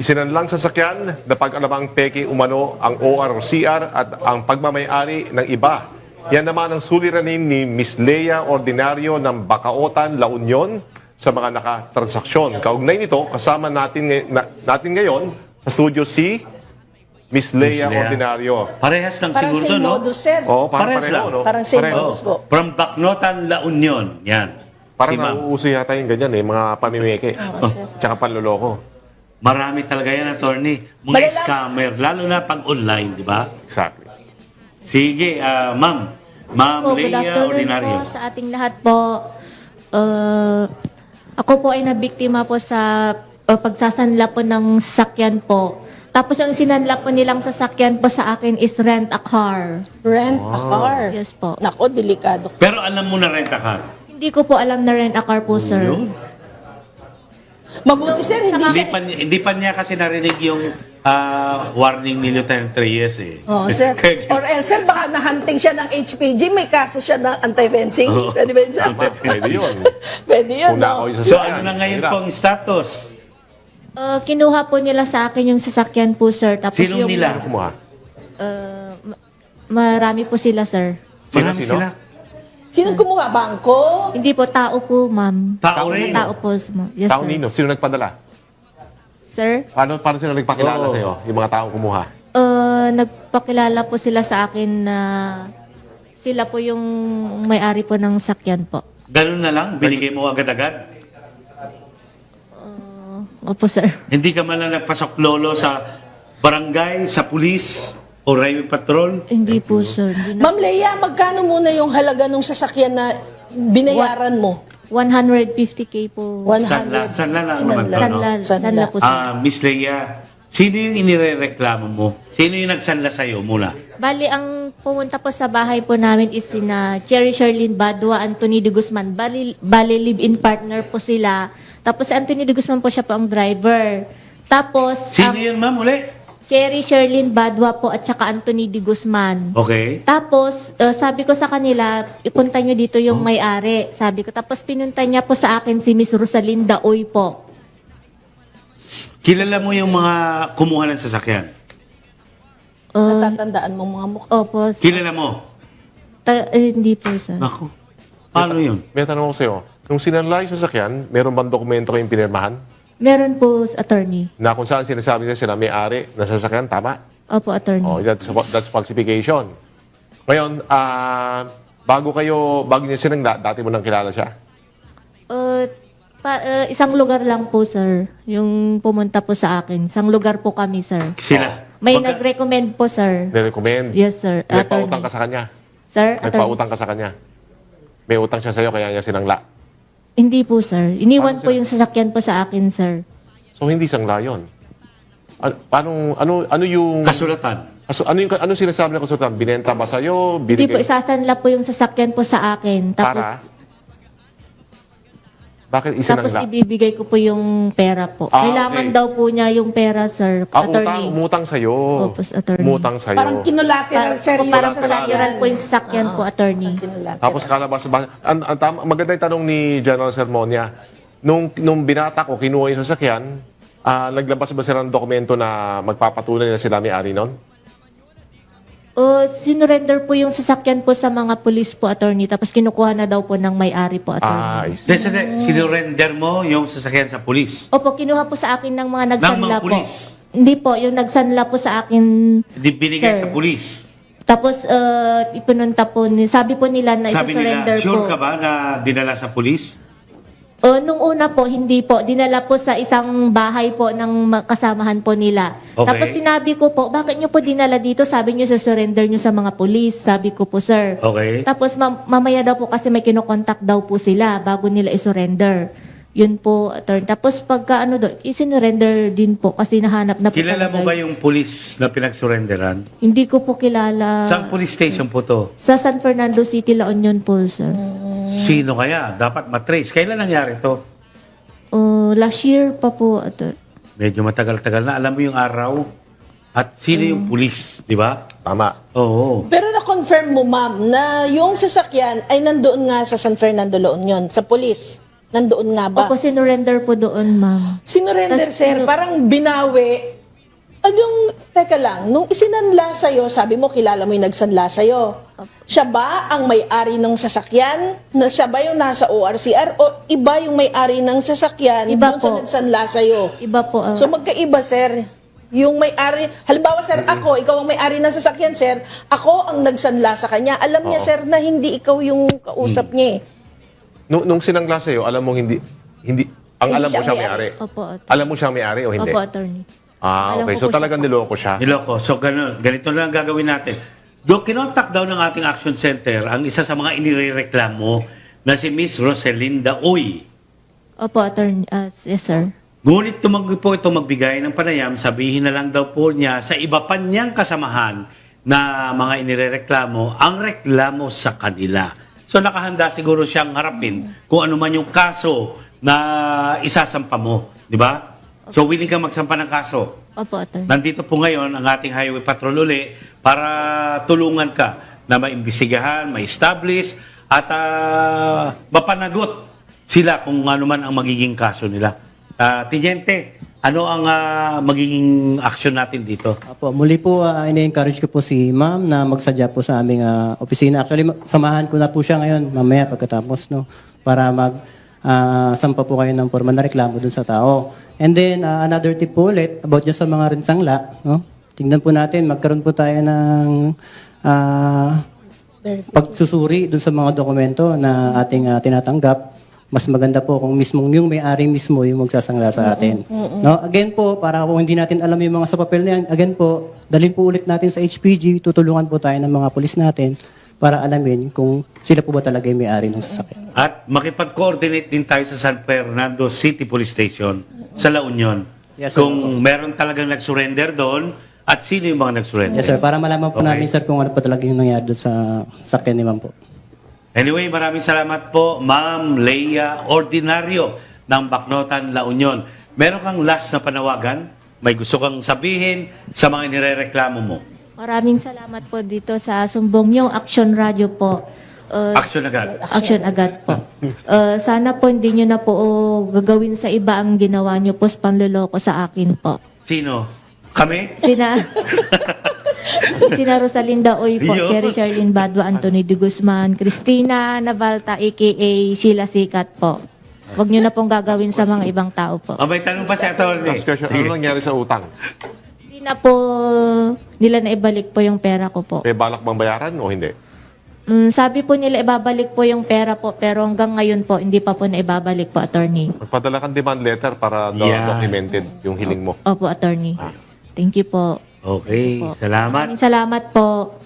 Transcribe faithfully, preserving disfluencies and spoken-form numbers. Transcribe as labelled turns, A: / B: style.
A: Isinanlang sasakyan na pag-alamang peke umano ang O R o C R at ang pagmamayari ng iba. Yan naman ang suliranin ni Miss Lea Ordinario ng Bacaotan, La Union sa mga nakatransaksyon. Kaugnay nito, kasama natin, ngay- na, natin ngayon sa studio si Miss Lea,
B: Miss Lea.
A: Ordinario.
B: Parehas lang
C: Parang
B: siguro,
C: same
B: no?
C: modus, sir.
A: Oh, parang
B: Parehas
A: pareho,
B: lang.
A: no?
C: Parang same
A: Pareho.
C: modus po.
B: From Bacnotan, La Union. Yan.
A: Parang
B: si ma'am.
A: nauuso yata yung ganyan eh, mga pamimeke.
C: Oo, sir.
A: Tsaka panloloko.
B: Marami talaga yan, attorney. Mga
C: Malala-
B: scammer, lalo na pag online, di ba?
A: Exactly.
B: Sige, ah, ma'am. Ma'am
D: Po, good
B: Lea
D: afternoon
B: Ordinario.
D: po sa ating lahat po. Uh, ako po ay nabiktima po sa uh, pagsasanla po ng sasakyan po. Tapos yung sinanla po nilang sasakyan po sa akin is rent a car.
C: Rent a car.
D: Yes po.
C: Nako, delikado.
B: Pero alam mo na renta car.
D: Hindi ko po alam na rent a car po, sir.
B: Yun.
C: Mabuti, sir, hindi
B: Hindi
C: siya...
B: pa, niya- hindi pa niya kasi narinig yung ah, warning ni Lieutenant Reyes eh.
C: Oh, sir.
B: Kaya-
C: Or else, sir, baka nahunting siya ng H P G, may kaso siya ng anti-fencing.
B: Oo.
C: Pwede ba yun, sir?
A: Pwede yun.
C: Pwede yun,
A: Kung
C: no?
A: nakaw yung
B: So
A: sasakyan,
B: ano na ngayon
A: hirap.
B: pong status?
D: Uh, kinuha po nila sa akin yung sasakyan po, sir. Tapos
B: Sinong
D: yung,
B: nila?
A: Sino kumuha?
D: Uh, ma- marami po sila, sir.
A: Sino,
B: Marami
A: sino?
B: sila.
C: Sino kumuha? Bangko?
D: Hindi po, tao po, ma'am.
B: Tao
A: Tao
B: rin.
A: nino?
D: Tao po. Yes,
A: Tao
D: sir.
A: nino? Sino nagpadala?
D: Sir?
A: Paano, paano sila nagpakilala
B: Oo.
A: sa'yo? Yung mga taong kumuha?
D: Uh, nagpakilala po sila sa akin na sila po yung may-ari po ng sakyan po.
B: Ganun na lang, binigay mo agad-agad.
D: Opo, sir.
B: Hindi ka man lang nagpasok lolo sa barangay, sa pulis, o highway patrol.
D: Hindi po, sir. Hindi na-
C: Ma'am Lea, magkano muna yung halaga ng sasakyan na binayaran mo?
D: one hundred fifty K po.
C: one
B: Sanla,
C: hundred.
B: sanla lang naman to, no?
D: Sanla,
C: Sanla.
D: sanla po, sir.
B: Ah, Miss Lea, sino yung inirereklamo mo? Sino yung nagsanla sa'yo muna?
D: Bali, ang pumunta po sa bahay po namin is sina Cherry Sherlyn Badua, Anthony de Guzman. Bali, bali live-in partner po sila. Tapos si Anthony de Guzman po siya po ang driver. Tapos,
B: Sino
D: ang
B: yun, ma'am, uli?
D: Cherry Sherlyn Badua po at saka Anthony de Guzman.
B: Okay.
D: Tapos, uh, sabi ko sa kanila, ipunta nyo dito yung may-ari. Sabi ko. Tapos, pinunta niya po sa akin si Miss Rosalinda Oy po.
B: Kilala mo yung mga kumuha ng sasakyan?
D: Uh,
C: Natatandaan mo mga mukha.
D: opo.
B: Kilala mo?
D: Ta- eh, hindi po, sir.
B: Ako. Paano yun?
A: May tanong ko sa'yo. Nung sinanla yung sasakyan, meron bang dokumento kayong pinirmahan?
D: Meron po, attorney.
A: Na kung saan sinasabi nila sila may-ari ng sasakyan, tama?
D: Opo, attorney.
A: Oh, that's, that's falsification. Ngayon, ah, bago kayo, bago niyo sinangla, dati mo nang kilala siya?
D: Uh, pa, uh, isang lugar lang po, sir. Yung pumunta po sa akin. Isang lugar po kami, sir.
B: Sila.
D: May
B: Magka-
D: nag-recommend po, sir.
A: Nirecommend?
D: Yes, sir.
A: May
D: Attorney.
A: pautang ka sa kanya?
D: Sir, attorney.
A: Nagpautang ka sa kanya? May utang siya sa'yo, kaya niya sinangla?
D: Hindi po, sir. Iniwan
A: Paano
D: po
A: sila?
D: yung sasakyan po sa akin, sir.
A: So, hindi sangla yun. Ano, paano, ano, ano yung...
B: Kasulatan.
A: Kaso, ano yung ano sinasabi ng konsultan? Binenta ba sa'yo?
D: Hindi po,
A: Binigay?
D: isasanla po yung sasakyan po sa akin. Tapos,
A: Para? Bakit
D: tapos
A: isinangla?
D: ibibigay ko po yung pera po.
A: Ah,
D: Kailangan
A: okay.
D: daw po niya yung pera, sir.
A: Ah, utang,
D: attorney.
A: umutang sa'yo.
D: Opo, attorney.
A: Umutang sa'yo.
C: Parang kinolateral, sir,
D: O,
C: yung
D: parang
C: sasakyan.
D: collateral po yung sasakyan po, attorney.
C: Kinolateral.
A: Tapos kalabas ba? Ang, ang tama, maganda yung tanong ni General Sermonia. Nung, nung binata ko, kinuha yung sasakyan, ah, naglabas ba sila ng dokumento na magpapatunay na sila may-ari nun?
D: O, sinurrender po yung sasakyan po sa mga pulis po, attorney. Tapos kinukuha na daw po ng may-ari po,
A: Ah,
D: attorney.
A: I see.
B: Kasi sinurrender mo yung sasakyan sa pulis.
D: Opo, kinuha po sa akin ng mga
B: Ng
D: nagsanla
B: mga
D: po.
B: pulis.
D: Hindi po, yung nagsanla po sa akin.
B: Hindi binigay
D: Sir.
B: sa pulis.
D: Tapos, uh, ipinunta po, ni, sabi po nila na
B: Sabi
D: isa-surrender
B: nila, sure
D: po.
B: ka ba na dinala sa pulis?
D: Uh, nung una po, hindi po. Dinala po sa isang bahay po ng ma- kasamahan po nila.
B: Okay.
D: Tapos sinabi ko po, bakit nyo po dinala dito? Sabi nyo sa surrender nyo sa mga pulis. Sabi ko po, sir.
B: Okay.
D: Tapos mam- mamaya daw po kasi may kinokontak daw po sila bago nila isurrender. Yun po, attorney. Tapos pagka ano do, isinurrender din po kasi nahanap na po
B: Kilala mo
D: talaga
B: ba
D: yun.
B: yung pulis na pinagsurrenderan?
D: Hindi ko po kilala.
B: Saan police station po to?
D: Sa San Fernando City, La Union po, sir.
B: Sino kaya? Dapat matrace. Kailan nangyari to?
D: Uh, last year pa po, attorney.
B: Medyo matagal-tagal na. Alam mo yung araw? At sino yung pulis? Di ba?
A: Tama.
B: Oo.
C: Pero na-confirm mo, ma'am, na yung sasakyan ay nandoon nga sa San Fernando, La Union, sa polis. Nandoon nga ba?
D: Opo, sinurrender po doon, ma'am.
C: Sinurrender,
D: Tas
C: sir.
D: sinu-
C: Parang binawi. Anong, teka lang, nung isinanla sa'yo, sabi mo, kilala mo yung nagsanla sa'yo. Siya ba ang may-ari ng sasakyan? Na siya ba yung nasa O R C R? O iba yung may-ari ng sasakyan
D: Iba
C: dun sa
D: po.
C: nagsanla sa'yo?
D: Iba po. ah,
C: So magkaiba, sir. Yung may-ari, halimbawa, sir, ako, ikaw ang may-ari ng sasakyan, sir. Ako ang nagsanla sa kanya. Alam niya,
A: Oo.
C: sir, na hindi ikaw yung kausap niya eh.
A: Nung, nung sinangla sa'yo, alam mong hindi, hindi, ang
C: Hindi
A: alam mo
C: siya
A: siya
C: may-ari.
A: may-ari.
D: Opo, at-
A: Alam mo siya may-ari o hindi?
D: Opo, attorney.
A: Ah,
D: Alam
A: okay.
D: ko
A: So
D: po
A: talagang
D: siya.
A: niloko siya.
B: Niloko. So ganun, ganito na lang gagawin natin. Do kinontak daw ng ating action center ang isa sa mga inireklamo na si Miss Roselinda Uy.
D: Opo, attorney. ah, yes, sir.
B: Ngunit tumanggi po ito magbigay ng panayam, sabihin na lang daw po niya sa iba pa niyang kasamahan na mga inireklamo ang reklamo sa kanila. So nakahanda siguro siyang harapin kung ano man yung kaso na isasampa mo. Di ba? So willing kang magsampa ng kaso.
D: Opo, attorney.
B: Nandito po ngayon ang ating highway patrol uli para tulungan ka na maimbestigahan, ma-establish at ah, mapanagot sila kung ano man ang magiging kaso nila. Ah, Tiniente, ano ang ah, magiging action natin dito?
E: Apo, muli po, uh, ina-encourage ko po si ma'am na magsadya po sa aming ah, opisina. Actually, ma- samahan ko na po siya ngayon, mamaya pagkatapos, no? Para mag ah, sampa po kayo ng formal na reklamo dun sa tao. And then, ah, another tip po ulit about just sa mga rinsangla, no? Tingnan po natin, magkaroon po tayo ng ah, pagsusuri dun sa mga dokumento na ating ah, tinatanggap. Mas maganda po kung mismong yung may-ari mismo yung magsasangla sa atin. No, again po, para kung hindi natin alam yung mga sa papel na yan, again po, dalhin po ulit natin sa H P G, tutulungan po tayo ng mga pulis natin para alamin kung sila po ba talaga yung may-ari ng sasakyan.
B: At makipag-coordinate din tayo sa San Fernando City Police Station sa La Union.
E: Yes, sir.
B: Kung meron talagang nag-surrender doon at sino yung mga nag-surrender.
E: Yes sir, para malaman po
B: Okay.
E: namin sir kung ano pa talaga yung nangyari doon sa sakyan ni ma'am po.
B: Anyway, maraming salamat po, Ma'am Leia Ordinario ng Bacnotan, La Union. Meron kang last na panawagan? May gusto kang sabihin sa mga nirereklamo mo?
D: Maraming salamat po dito sa sumbong niyong Action Radio po. Uh,
B: Action agad.
D: Action agad po. Uh, sana po hindi nyo na po uh, gagawin sa iba ang ginawa nyo po sa panluloko sa akin po.
B: Sino? Kami?
D: Sina Sina Rosalinda Oy po,
B: Yun.
D: Cherry Charlene Badwa, Anthony de Guzman, Cristina Navalta, a k a. Sheila Sikat po. Huwag nyo na pong gagawin sa mga ibang tao po.
B: O, may tanong pa si Atty.
A: Last question, ano nangyari sa utang?
D: Hindi na po nila na ibalik po yung pera ko po.
A: May balak bang bayaran o hindi?
D: Mm, sabi po nila ibabalik po yung pera po, pero hanggang ngayon po, hindi pa po na ibabalik po, attorney.
A: Magpadala kang demand letter para do-
B: Yeah.
A: documented yung hiling mo.
D: Opo, attorney. Thank you po.
B: Okay, salamat.
D: Maraming salamat po.